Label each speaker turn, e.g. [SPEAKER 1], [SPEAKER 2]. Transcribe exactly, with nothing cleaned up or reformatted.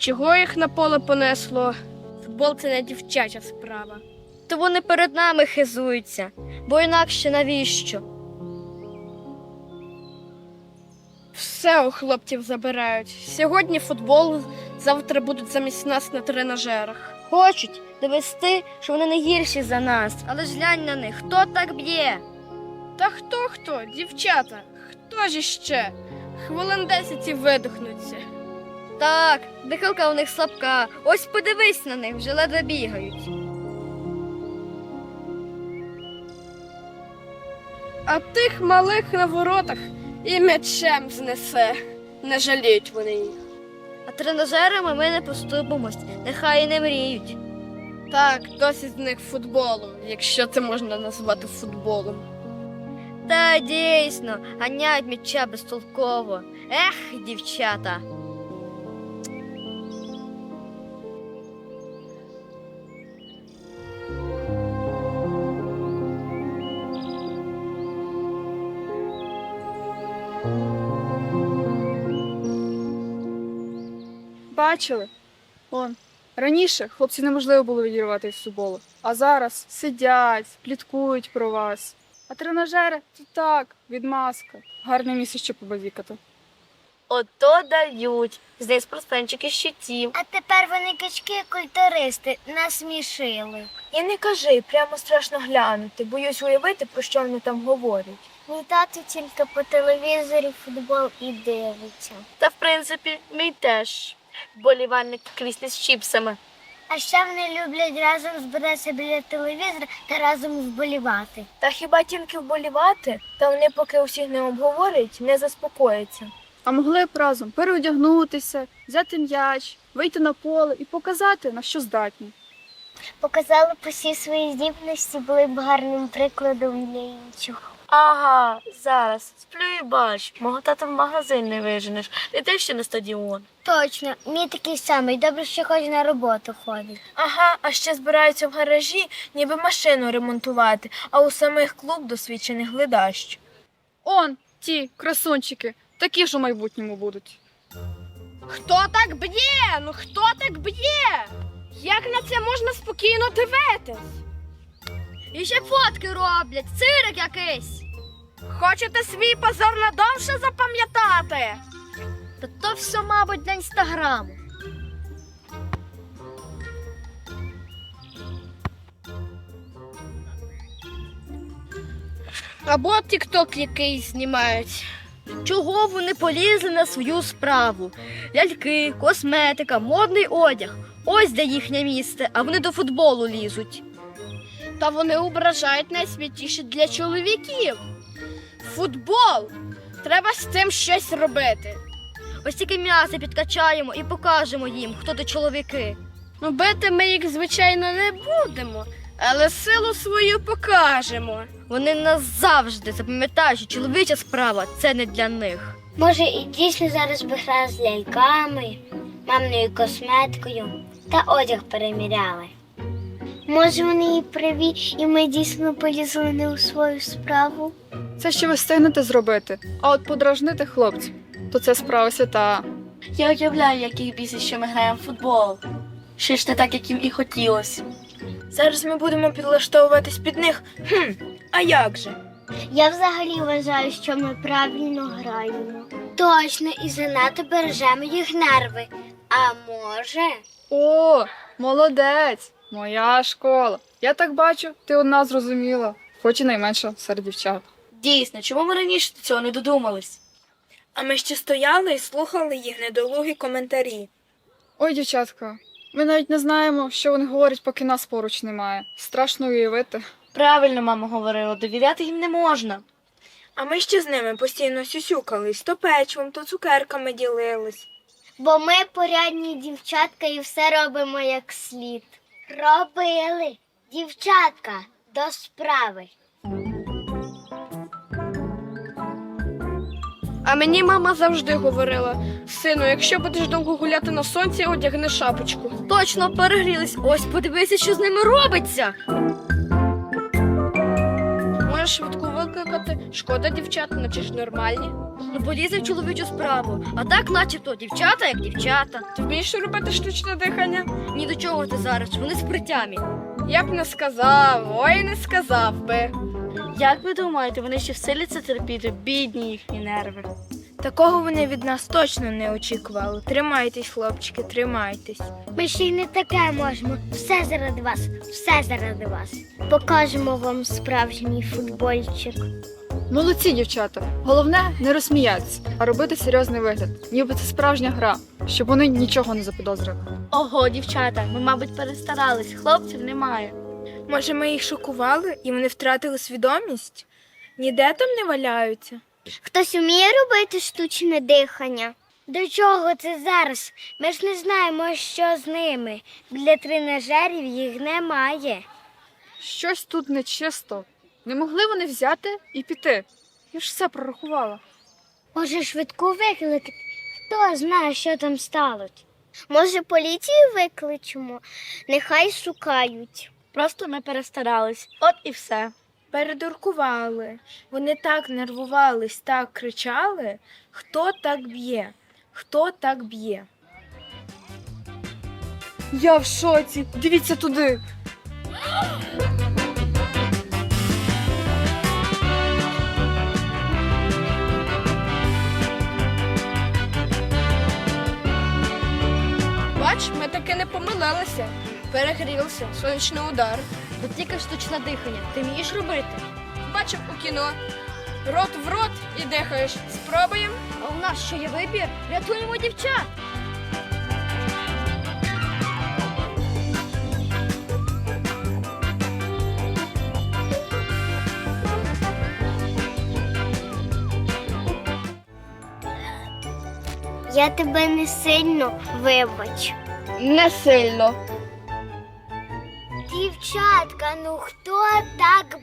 [SPEAKER 1] Чого їх на поле понесло? Футбол – це не дівчача справа.
[SPEAKER 2] То вони перед нами хизуються, бо інакше навіщо?
[SPEAKER 1] Все у хлопців забирають. Сьогодні футбол, завтра будуть замість нас на тренажерах.
[SPEAKER 2] Хочуть довести, що вони не гірші за нас. Але ж глянь на них, хто так б'є?
[SPEAKER 1] Та хто-хто? Дівчата. Хто ж іще? Хвилин десять і видохнуться.
[SPEAKER 2] Так, дихалка у них слабка. Ось подивись на них, вже ледве бігають.
[SPEAKER 1] А тих малих на воротах і м'ячем знесе. Не жаліють вони їх.
[SPEAKER 2] А тренажерами ми не поступимось, нехай і не мріють.
[SPEAKER 1] Так, досить з них футболу, якщо це можна назвати футболом.
[SPEAKER 2] Та дійсно, ганяють м'яча безтолково. Ех, дівчата.
[SPEAKER 3] Бачили? Он. Раніше хлопці неможливо було відірвати від футболу, а зараз сидять, пліткують про вас. А тренажери – це так, відмазка. Гарне місце, щоб побазікати.
[SPEAKER 2] Ото дають. Здесь спортсменчики щитів.
[SPEAKER 4] А тепер вони качки-культуристи насмішили.
[SPEAKER 5] І не кажи, прямо страшно глянути. Боюсь уявити, про що вони там говорять.
[SPEAKER 4] Мій тато тільки по телевізорі футбол і дивиться.
[SPEAKER 2] Та, в принципі, мій теж. Вболівальник в кріслі з чіпсами.
[SPEAKER 4] А ще вони люблять разом збиратися біля телевізора та разом вболівати.
[SPEAKER 5] Та хіба тільки вболівати? Та вони, поки усіх не обговорять, не заспокояться.
[SPEAKER 3] А могли б разом переодягнутися, взяти м'яч, вийти на поле і показати, на що здатні.
[SPEAKER 4] Показали б усі свої здібності, були б гарним прикладом для інших.
[SPEAKER 2] Ага, зараз. Сплю і бач. Мого тата в магазин не виженеш. Не те, що на стадіон.
[SPEAKER 4] Точно, мій такий самий, добре, що хоч на роботу ходить.
[SPEAKER 5] Ага, а ще збираються в гаражі, ніби машину ремонтувати, а у самих клуб досвідчених глядащ.
[SPEAKER 3] Он, ті красунчики, такі ж у майбутньому будуть.
[SPEAKER 1] Хто так б'є? Ну хто так б'є? Як на це можна спокійно дивитись?
[SPEAKER 2] І ще фотки роблять, цирик якийсь.
[SPEAKER 1] Хочете свій позор надовше запам'ятати?
[SPEAKER 2] Та то все, мабуть, для інстаграму.
[SPEAKER 1] Або тік-ток якийсь знімають.
[SPEAKER 2] Чого вони полізли на свою справу? Ляльки, косметика, модний одяг. Ось де їхнє місце, а вони до футболу лізуть.
[SPEAKER 1] Та вони ображають найсвятіше для чоловіків. Футбол! Треба з цим щось робити.
[SPEAKER 2] Ось тільки м'ясо підкачаємо і покажемо їм, хто то чоловіки.
[SPEAKER 1] Ну, бити ми їх, звичайно, не будемо, але силу свою покажемо.
[SPEAKER 2] Вони назавжди запам'ятають, що чоловіча справа – це не для них.
[SPEAKER 4] Може, і дійсно зараз би грали з ляльками, мамною косметикою та одяг переміряли. Може, вони і праві, і ми дійсно полізли не у свою справу?
[SPEAKER 3] Це ще ви встигнете зробити, а от подражнити хлопців, то це справа свята.
[SPEAKER 6] Я уявляю, як їх бісить, що ми граємо в футбол. Ще ж не так, як їм і хотілося.
[SPEAKER 5] Зараз ми будемо підлаштовуватись під них. Хм, а як же?
[SPEAKER 4] Я взагалі вважаю, що ми правильно граємо. Точно, і занадто бережемо їх нерви. А може...
[SPEAKER 3] О, молодець, моя школа. Я так бачу, ти одна зрозуміла, хоч і найменша серед дівчат.
[SPEAKER 6] Дійсно, чому ми раніше до цього не додумались?
[SPEAKER 5] А ми ще стояли і слухали їх недолугі коментарі.
[SPEAKER 3] Ой, дівчатка, ми навіть не знаємо, що вони говорять, поки нас поруч немає. Страшно уявити.
[SPEAKER 6] Правильно мама говорила, довіряти їм не можна.
[SPEAKER 5] А ми ще з ними постійно сюсюкались, то печивом, то цукерками ділились.
[SPEAKER 4] Бо ми порядні дівчатка і все робимо як слід. Робили. Дівчатка, до справи.
[SPEAKER 1] А мені мама завжди говорила: сину, якщо будеш довго гуляти на сонці, одягни шапочку.
[SPEAKER 2] Точно перегрілись. Ось подивися, що з ними робиться.
[SPEAKER 1] Ми Може швидку викликати? Шкода дівчат, наче ж нормальні.
[SPEAKER 2] Ну полізе в чоловічу справу. А так, начебто, дівчата як дівчата.
[SPEAKER 3] Ти вмієш робити штучне дихання?
[SPEAKER 2] Ні до чого ти зараз, вони з притямі.
[SPEAKER 3] Я б не сказав, ой, не сказав би.
[SPEAKER 6] Як ви думаєте, вони ще в силі це терпіти, бідні їхні нерви?
[SPEAKER 5] Такого вони від нас точно не очікували. Тримайтесь, хлопчики, тримайтесь.
[SPEAKER 4] Ми ще й не таке можемо. Все заради вас, все заради вас. Покажемо вам справжній футбольчик.
[SPEAKER 3] Молодці, дівчата. Головне не розсміятися, а робити серйозний вигляд, ніби це справжня гра, щоб вони нічого не запідозрили.
[SPEAKER 6] Ого, дівчата, ми, мабуть, перестарались, хлопців немає.
[SPEAKER 5] Може, ми їх шокували і вони втратили свідомість? Ніде там не валяються?
[SPEAKER 4] Хтось вміє робити штучне дихання? До чого це зараз? Ми ж не знаємо, що з ними. Для тренажерів їх немає.
[SPEAKER 3] Щось тут нечисто. Не могли вони взяти і піти. Я ж все прорахувала.
[SPEAKER 4] Може, швидку викликати? Хто знає, що там сталося? Може, поліцію викличемо? Нехай шукають.
[SPEAKER 6] Просто ми перестарались, от і все.
[SPEAKER 5] Передуркували. Вони так нервувались, так кричали. Хто так б'є? Хто так б'є?
[SPEAKER 3] Я в шоці. Дивіться туди.
[SPEAKER 1] Бач, ми таки не помилилися. Перегрілися, сонячний удар.
[SPEAKER 2] Тут тільки штучне дихання. Ти вмієш робити?
[SPEAKER 1] Бачив у кіно. Рот в рот і дихаєш. Спробуємо.
[SPEAKER 2] А у нас що є вибір? Рятуємо дівчат!
[SPEAKER 4] Я тебе не сильно вибач.
[SPEAKER 1] Не сильно.
[SPEAKER 4] Дівчатка, ну хто так